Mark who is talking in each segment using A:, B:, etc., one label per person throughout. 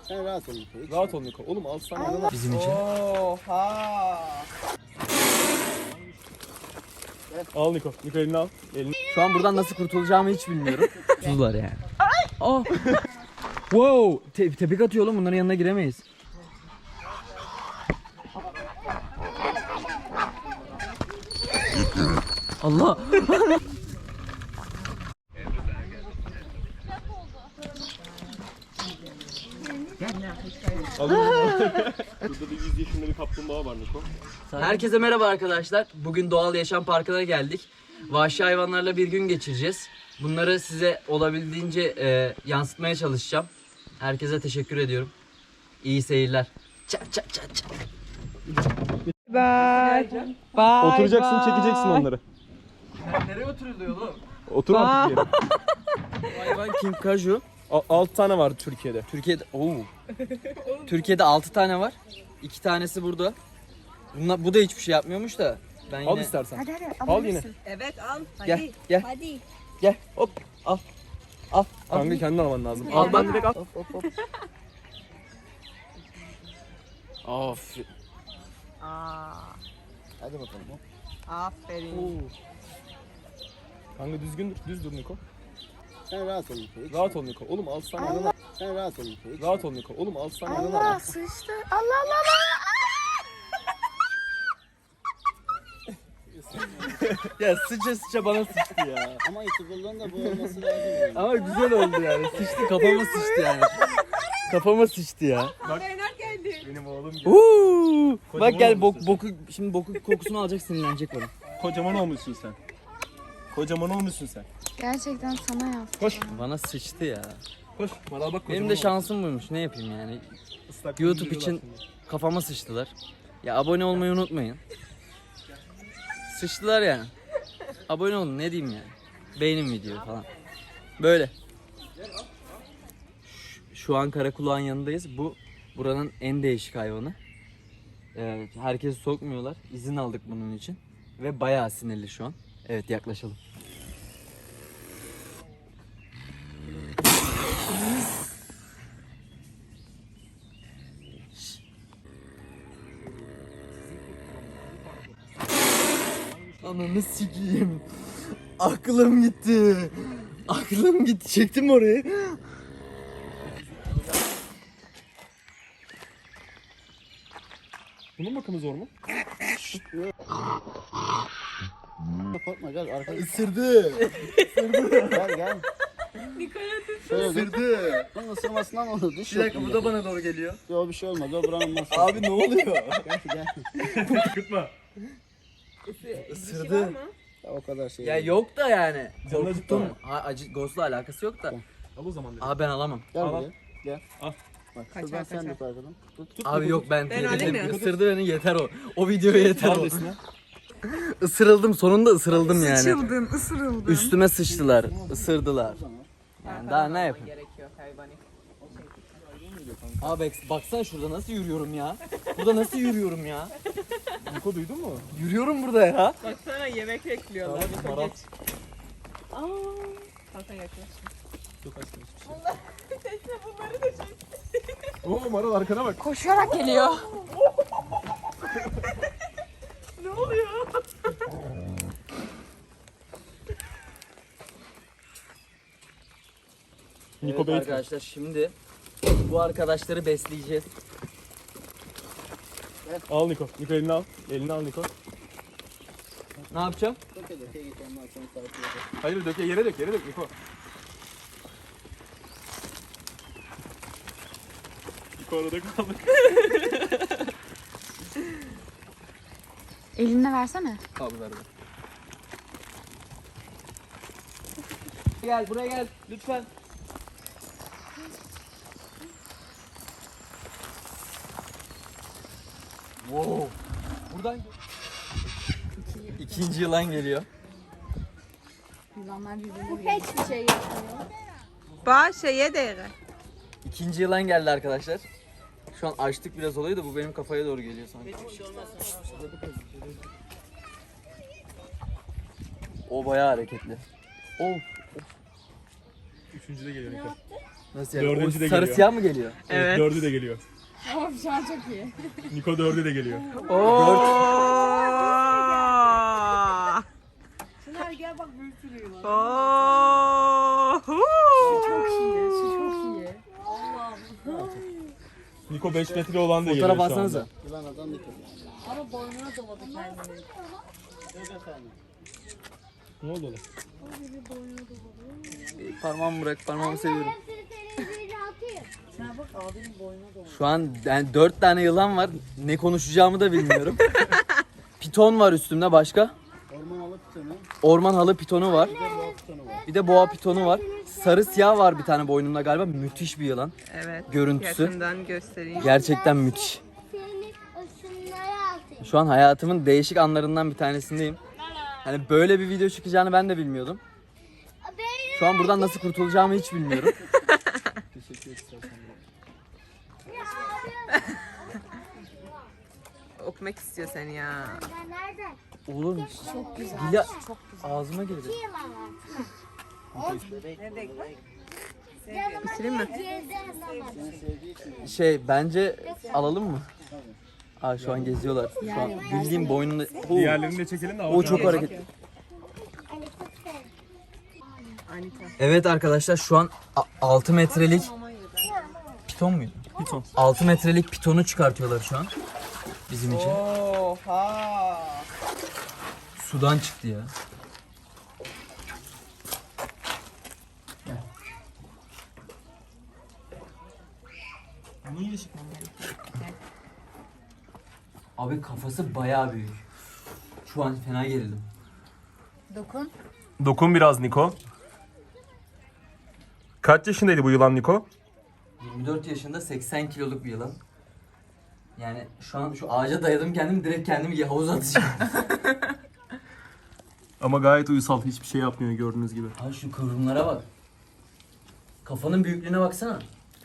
A: Sen rahat ol Niko.
B: Rahat ol Niko. Oğlum al sana.
C: Bizim için.
D: Oha.
B: Al Niko. Niko elini al. Elini.
C: Şu an buradan nasıl kurtulacağımı hiç bilmiyorum. Tuzlar yani. Oh. Wow. Tepik atıyor oğlum. Bunların yanına giremeyiz. Allah.
B: Burada da 100 yaşında bir kaplumbağa var Niko.
C: Herkese merhaba arkadaşlar. Bugün Doğal Yaşam Parkı'na geldik. Vahşi hayvanlarla bir gün geçireceğiz. Bunları size olabildiğince yansıtmaya çalışacağım. Herkese teşekkür ediyorum. İyi seyirler. Çap çap çap çap.
D: Bye. Bye.
B: Oturacaksın, çekeceksin onları.
C: Nereye oturuluyor oğlum?
B: Otur artık yere.
C: Hayvan King Kaju.
B: 6 tane var Türkiye'de.
C: Türkiye'de 6 tane var. 2 tanesi burada. Bu da hiçbir şey yapmıyormuş da. Ben yine...
B: Al istersen.
E: Hadi
B: Al yine.
D: Evet al. Hadi.
C: Gel gel
E: Hadi.
C: gel hop al. Al.
B: Kanka kendin alman lazım.
C: Al,
B: Al ben direkt al.
C: Hop.
B: Aferin.
D: Aa,
A: Hadi bakalım. Hop.
D: aferin.
B: Kanka düz dur Niko.
A: Sen rahat ol Niko.
B: Rahat ol Niko. Oğlum al sana.
A: Sen rahat ol Niko.
B: Rahat ol Niko. Oğlum al sana.
E: Allah sıçtı. Allah Allah Allah.
C: Ya sıça bana sıçtı ya.
A: Ama itibarlığın da bu olması lazım. Yani.
C: Ama güzel oldu yani. Sıçtı kafama sıçtı yani. Kafama sıçtı ya.
B: Benim oğlum gibi.
C: Bak gel şimdi boku kokusunu alacak, sinirlenecek bana.
B: Kocaman olmuşsun sen. Kocaman olmuşsun sen.
E: Gerçekten sana yaz.
B: Koş.
C: Bana sıçtı ya.
B: Koş. Bana bak.
C: Benim de şansım buymuş. Ne yapayım yani? YouTube için kafama sıçtılar. Ya abone olmayı unutmayın. Sıçtılar yani. Abone olun, ne diyeyim yani. Beğenin videoyu falan. Böyle. Şu an karakulağın yanındayız. Bu buranın en değişik hayvanı. Herkesi sokmuyorlar. İzin aldık bunun için. Ve bayağı sinirli şu an. Evet, yaklaşalım. Ananı sikeyim. Aklım gitti. Aklım gitti. Çektim orayı.
B: Bunun bakımı zor mu?
A: Korkma gel arkadaş.
C: Isırdı.
A: Gel. Şöyle dur.
C: Isırdı.
A: Bunun ısırmasından olur. Diş
C: Bir dakika,
A: yok
C: bu da bana doğru geliyor.
A: Yok bir şey olmaz. O buranın masası.
C: Abi ne oluyor?
A: Gel.
B: Kıtma.
C: Isırdı.
A: Ya, o kadar şey.
C: Ya
A: değil.
C: yok da yani.
B: Canını
C: Korkuttum.
B: acıttı
C: Acı Ghost'la alakası yok da.
B: Al o zaman dedim.
C: Abi ben alamam.
A: Gel
B: Al.
A: buraya. Gel.
B: Al.
A: Bak
D: Kaçar,
A: şuradan sen
D: kaçar.
A: tut arkadan. Tut.
C: Abi yok ben
D: alayım mı?
C: ısırdı beni, yeter o. O videoya yeter
B: Al
C: o.
B: desine.
C: Isırıldım, sonunda ısırıldım yani.
D: Sıçıldın, ısırıldın.
C: Üstüme sıçtılar, ısırdılar. Yani daha ne yapayım?
D: Gerekiyor hayvani.
C: Abi baksana şurada nasıl yürüyorum ya. Burada nasıl yürüyorum ya.
B: Niko duydun mu?
C: Yürüyorum burada ya.
D: Baksana yemek bekliyorlar.
B: Tamam, maral.
D: Aa, Hakan yaklaş.
B: Çok açtım. Oo Maral arkana bak.
E: Koşarak geliyor.
D: Ne oluyor?
B: Niko
C: Evet
B: Bey.
C: arkadaşlar, şimdi bu arkadaşları besleyeceğiz.
B: Al Niko. Niko elini al. Elini al Niko.
C: Ne yapacağım?
A: Çok öyle. Git ondan sonra takip edelim.
B: Hayır dök, yere dök Niko. Niko arada kaldı.
E: Eline versene.
C: Abi ver. Gel buraya gel lütfen. Wow. Buradan İkinci yılan geliyor.
E: Yılanlar birbirine hiçbir şey yapmıyor.
D: Ba şeye değre.
C: İkinci yılan geldi arkadaşlar. Şu an açtık biraz olayı da bu benim kafaya doğru geliyor sanki. O bayağı hareketli. Of.
B: Üçüncü de geliyor Niko.
C: Nasıl yani?
B: Dördüncü de
C: Sarı
B: geliyor.
C: siyah mı geliyor?
B: Evet.
D: Evet.
B: 4'ü de geliyor.
E: Tamam şu an çok iyi.
B: Niko 4'ü de geliyor.
D: Oo.
F: Çınar gel bak bir sürü yılan.
D: Oo.
E: Çok iyi. Şu çok iyi.
B: Niko 5 metre olan da geliyor
C: Fotoğraf
B: şu anda.
C: alsanıza.
A: Yılan adam yıkıldı.
F: Ama boynuna doladı kendini.
A: Evet efendim.
B: Ne oldu oğlum?
C: Parmağımı bırak, parmağımı seviyorum.
F: Çınar bak abinin boynuna doladı.
C: Şu an yani 4 tane yılan var. Ne konuşacağımı da bilmiyorum. Piton var üstümde başka.
A: Orman alıp seni.
C: Orman halı pitonu var.
A: Boğa pitonu var.
C: Bir de boğa pitonu var. Sarı siyah var bir tane boynumda galiba. Müthiş bir yılan.
D: Evet.
C: Görüntüsü.
D: Yakından göstereyim.
C: Gerçekten müthiş. Şu an hayatımın değişik anlarından bir tanesindeyim. Hani böyle bir video çıkacağını ben de bilmiyordum. Şu an buradan nasıl kurtulacağımı hiç bilmiyorum.
A: Teşekkür istersen.
D: Okumak istiyor seni ya.
C: Olur mu?
E: Çok güzel.
C: Dili ağzıma girdi.
D: Bitireyim mi?
A: Seni sevdiği için.
C: Şey bence alalım mı? Aa şu an geziyorlar. Şu an bildiğim boynunda.
B: Diğerlerini de çekelim de.
C: O çok hareketli.
D: Anita.
C: Evet arkadaşlar şu an 6 metrelik piton muydu?
B: Piton.
C: 6 metrelik pitonu çıkartıyorlar şu an bizim için.
D: Oha.
C: Sudan çıktı ya. Abi kafası bayağı büyük. Şu an fena gerildim.
E: Dokun.
B: Dokun biraz Niko. Kaç yaşındaydı bu yılan Niko?
C: 24 yaşında 80 kiloluk bir yılan. Yani şu an şu ağaca dayadım kendimi direkt kendimi havuza atacağım.
B: Ama gayet uysal. Hiçbir şey yapmıyor gördüğünüz gibi.
C: Abi şu kıvrımlara bak. Kafanın büyüklüğüne baksana.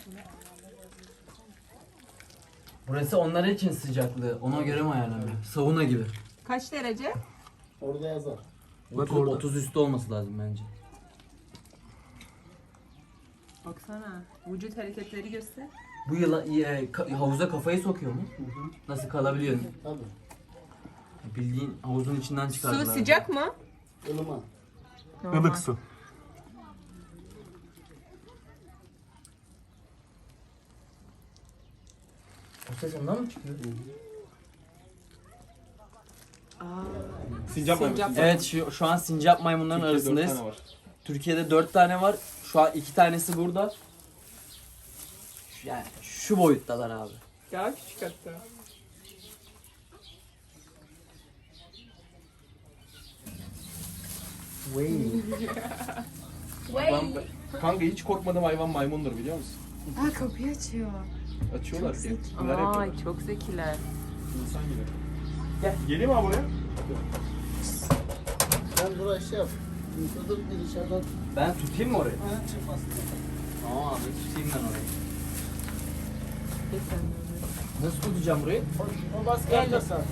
C: Burası onlar için sıcaklığı. Ona göre mi ayarlanıyor? Sauna gibi.
D: Kaç derece?
A: Orada yazar.
C: Bak 30 üstü olması lazım bence.
D: Baksana. Vücut hareketleri göster.
C: Bu yılan havuza kafayı sokuyor mu? Nasıl kalabiliyor?
A: Tabii.
C: Bildiğin havuzun içinden çıkardılar.
D: Su sıcak mı?
A: Ilıman.
B: Ilık su.
C: O ses ondan mı çıkıyor?
B: Sincap mı?
C: Evet şu an sincap maymunların arasındayız. Türkiye'de 4 tane var. Şu an 2 tanesi burada. Yani şu boyuttalar abi.
D: Daha küçük hatta.
B: Kanka hiç korkmadığım hayvan maymundur biliyor musun?
E: Aa kapıyı açıyor.
B: Açıyorlar ki. Neler
D: Ay
B: yapıyorlar?
D: çok zekiler.
B: İnsan gibi. Gel. Geleyim mi abi buraya?
A: Sen buraya şey yap. Yıkılır bir dışarıdan.
C: Ben tutayım mı orayı?
A: Ha, çıkmasın.
C: Tamam abi tutayım ben orayı. Nasıl tutacağım burayı?
A: O baskı yapacak zaten.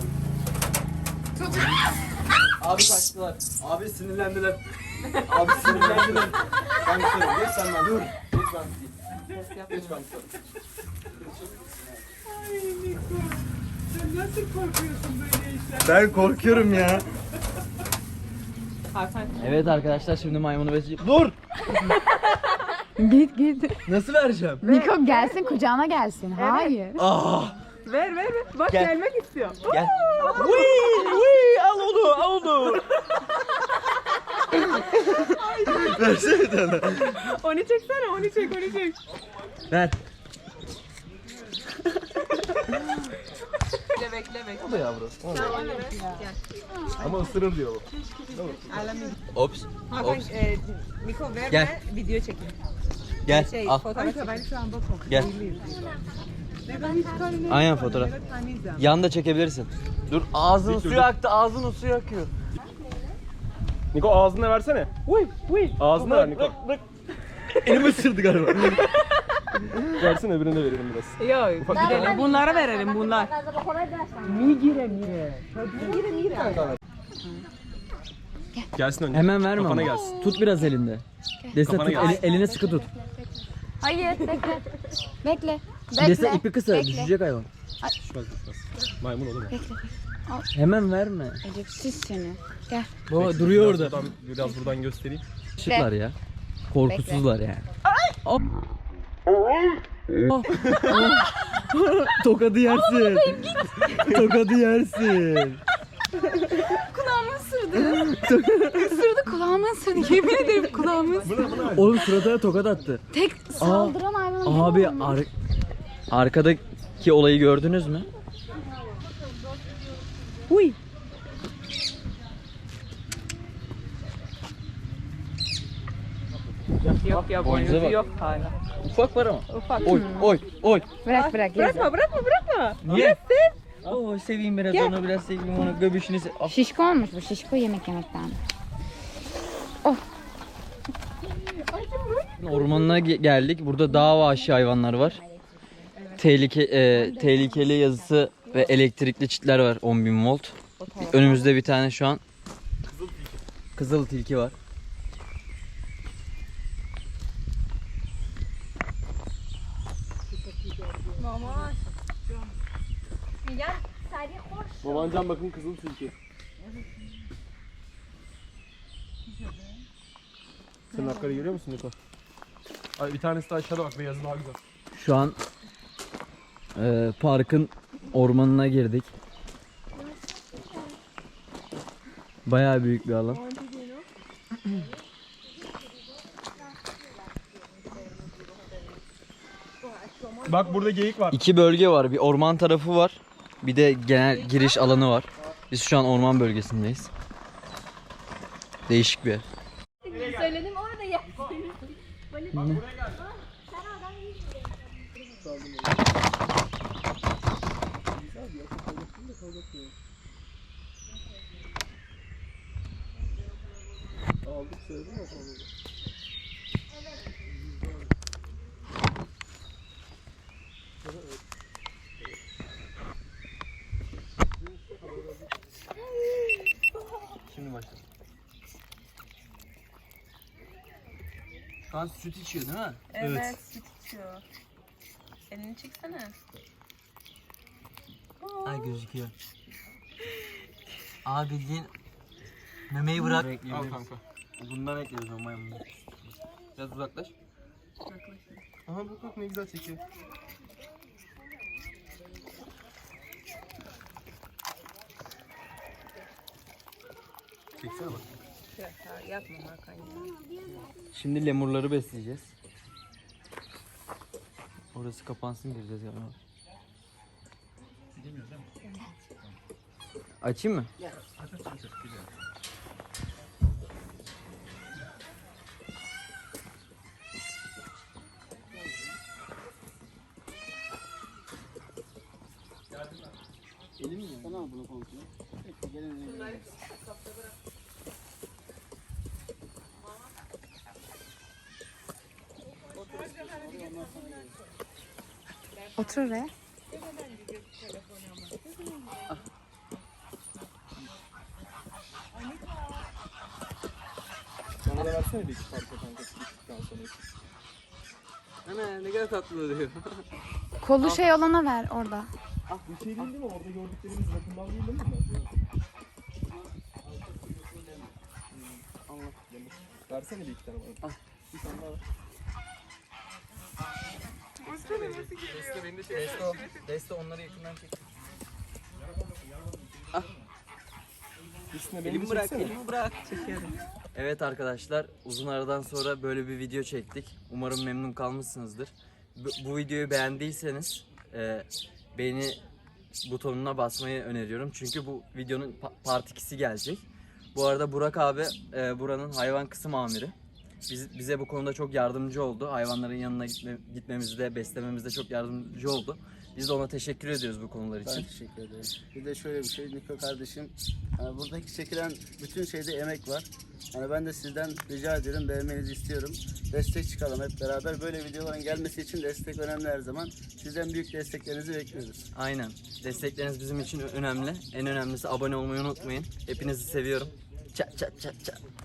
C: Abi kaçtılar. Abi sinirlendiler. Abi sinirlendiler. Ben tutarım. Geç sen ben. Dur. Geç ben tutayım. Geç ben tutarım.
D: Sen nasıl korkuyorsun böyle işler?
C: Ben korkuyorum ya.
D: Hakan.
C: Evet arkadaşlar şimdi maymunu besleyeceğim. Dur!
E: Git git.
C: Nasıl vereceğim?
E: Niko gelsin kucağına gelsin. Hayır.
C: Ah!
D: Ver ver ver. Bak
C: Gel.
D: gelmek istiyor.
C: Gel. Wii, al onu, al onu. Versene bir tane.
D: Onu çeksene, onu çek, onu çek.
C: Ver.
D: Bekle bekle bekle.
C: O da yavru.
D: Tamam onu ver. Gel.
B: Ama ısırır diyor bu.
D: Alamayız.
C: Ops.
D: Hakan,
C: Ops.
D: Miko ver
C: Gel.
D: ve video çekin.
C: Gel,
D: Şey,
C: al.
D: fotoğraf çekin. Ben şu an bakıyorum.
C: Gel. Aynen fotoğraf.
D: Evet, tanıyacağım.
C: Yan da çekebilirsin. Dur ağzın
B: Dik dur,
C: suyu aktı, ağzın suyu akıyor.
B: Niko ağzına versene. Ağzına ver Niko.
C: Elimi ısırdı galiba.
B: Versene öbürüne de verelim biraz.
D: Yok, gidelim. Bunlara verelim, bunlar.
B: Gelsin önce.
C: Hemen verme
B: Kafana
C: ama.
B: gelsin.
C: Tut biraz elinde. Desene
B: Kafana
C: tut,
B: gelsin.
C: eline sıkı tut.
E: Hayır bekle. Bekle.
C: Çilese
E: Bekle.
C: ipi kısa,
E: Bekle.
C: düşecek hayvan.
B: Düşmez düşmez. Maymun oğlum o.
C: Hemen verme.
E: Edepsiz seni. Gel.
C: Baba duruyor orada.
B: Biraz buradan göstereyim.
C: Işıklar ya. Korkusuzlar yani. Hop. Tokadı yersin. Tokadı yersin.
E: Kulağımı ısırdı. Isırdı kulağımı ısırdı. Yemin ederim kulağımı ısırdı.
C: Oğlum suratına tokat attı.
E: Tek saldıran hayvan
C: Abi
E: benim olmuş.
C: arkadaki olayı gördünüz mü? Uy.
D: Yok ya
C: Boynuza
D: boynuzu
C: bak.
D: yok hala.
C: Ufak var ama.
D: Ufak.
C: Oy oy oy.
E: Bırak bırak.
D: Bırakma bırakma.
C: Niye? Oo seveyim biraz onu biraz seveyim onu göbüşünü
E: Şişko olmuş bu. Şişko yemek yemekten.
C: Ormanına geldik. Burada dağ vahşi hayvanlar var. Tehlikeli yazısı ve elektrikli çitler var 10.000 volt. Önümüzde bir tane şu an kızıl tilki var.
B: Babancan bakın kızıl tilki. Sen hakları görüyor musun Niko? Ay bir tanesi de aşağıda bak, beyazı daha güzel.
C: Şu an parkın ormanına girdik. Bayağı büyük bir alan.
B: Bak burada geyik var.
C: İki bölge var. Bir orman tarafı var. Bir de genel giriş alanı var. Biz şu an orman bölgesindeyiz. Değişik bir yer.
G: Söyledim orada ya.
C: Şimdi başla. Şu an süt içiyor değil mi?
D: Evet süt içiyor. Elini çeksene.
C: Ay gözüküyor. Abi bildiğin memeyi bırak.
B: Al kanka.
C: Bundan ekliyoruz o maymunları. Biraz uzaklaş.
B: Aha bak ne güzel çekiyor. Çeksene bak.
D: Yapma Hakan ya.
C: Şimdi lemurları besleyeceğiz. Orası kapansın, gireceğiz galiba. Açayım mı?
A: Sana al bunu komple. Gelin.
E: Otur oraya.
B: Bana da versene bir iki parça kanka. Çıktıktan sonra.
C: Ana ne kadar tatlı oluyor.
E: Kolu şey olana ver orada.
B: Bir şey değil mi? Orada gördüklerimiz rakımdan değil mi bunlar? Allah. Versene bir iki tane bana. Bir tane daha ver.
C: Deste onları yakından çek.
B: Üstüne beni çeksene.
C: Elimi bırak. Çekiyorum. Evet arkadaşlar, uzun aradan sonra böyle bir video çektik. Umarım memnun kalmışsınızdır. Bu videoyu beğendiyseniz beğeni butonuna basmayı öneriyorum. Çünkü bu videonun part 2'si gelecek. Bu arada Burak abi buranın hayvan kısım amiri. Bize bu konuda çok yardımcı oldu. Hayvanların yanına gitmemizde, beslememizde çok yardımcı oldu. Biz de ona teşekkür ediyoruz bu konular için.
A: Ben teşekkür ederim. Bir de şöyle bir şey, Niko kardeşim, yani buradaki çekilen bütün şeyde emek var. Yani ben de sizden rica ediyorum, beğenmenizi istiyorum. Destek çıkalım hep beraber. Böyle videoların gelmesi için destek önemli her zaman. Sizden büyük desteklerinizi bekliyoruz.
C: Aynen. Destekleriniz bizim için önemli. En önemlisi abone olmayı unutmayın. Hepinizi seviyorum. Çat çat çat çat.